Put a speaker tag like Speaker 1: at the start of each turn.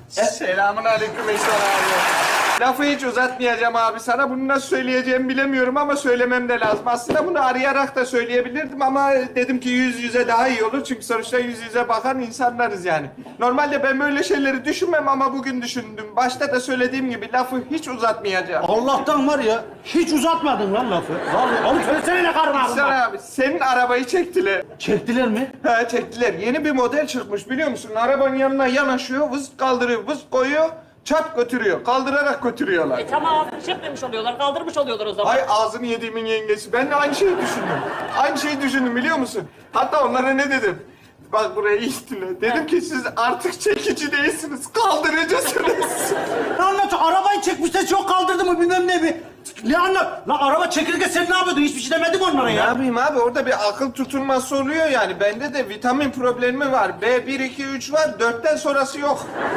Speaker 1: Selamun aleyküm Eşer abi. Lafı hiç uzatmayacağım abi sana. Bunu nasıl söyleyeceğimi bilemiyorum ama söylemem de lazım. Aslında bunu arayarak da söyleyebilirdim ama dedim ki yüz yüze daha iyi olur. Çünkü sonuçta yüz yüze bakan insanlarız yani. Normalde ben böyle şeyleri düşünmem ama bugün düşündüm. Başta da söylediğim gibi lafı hiç uzatmayacağım.
Speaker 2: Allah'tan var ya, hiç uzatmadın lan lafı. Vallahi oğlum söylesene ne karın ağrın
Speaker 1: Sen
Speaker 2: var.
Speaker 1: abi senin arabayı çektiler.
Speaker 2: Çektiler mi?
Speaker 1: Ha çektiler. Yeni bir model çıkmış biliyor musun? Arabanın yanına yanaşıyor, vız kaldırıyor, vız koyuyor, çap götürüyor. Kaldırarak götürüyorlar.
Speaker 3: Tamam, çekmemiş oluyorlar, kaldırmış oluyorlar o zaman.
Speaker 1: Ay ağzını yediğimin yengesi. Ben de aynı şeyi düşündüm. Aynı şeyi düşündüm biliyor musun? Hatta onlara ne dedim? Bak buraya iyi dinle. Dedim ki siz artık çekici değilsiniz, kaldırıcısınız.
Speaker 2: Ne anlatıyor? Arabayı çekmişler, çok kaldırdı mı bilmem ne bir. Ne anlat? Lan araba çekilirken sen ne yapıyordun? Hiçbir şey demedim onlara
Speaker 1: Ne
Speaker 2: ya.
Speaker 1: yapayım abi? Orada bir akıl tutulması oluyor yani. Bende de vitamin problemi var. B1, 2, 3 var. 4'ten sonrası yok.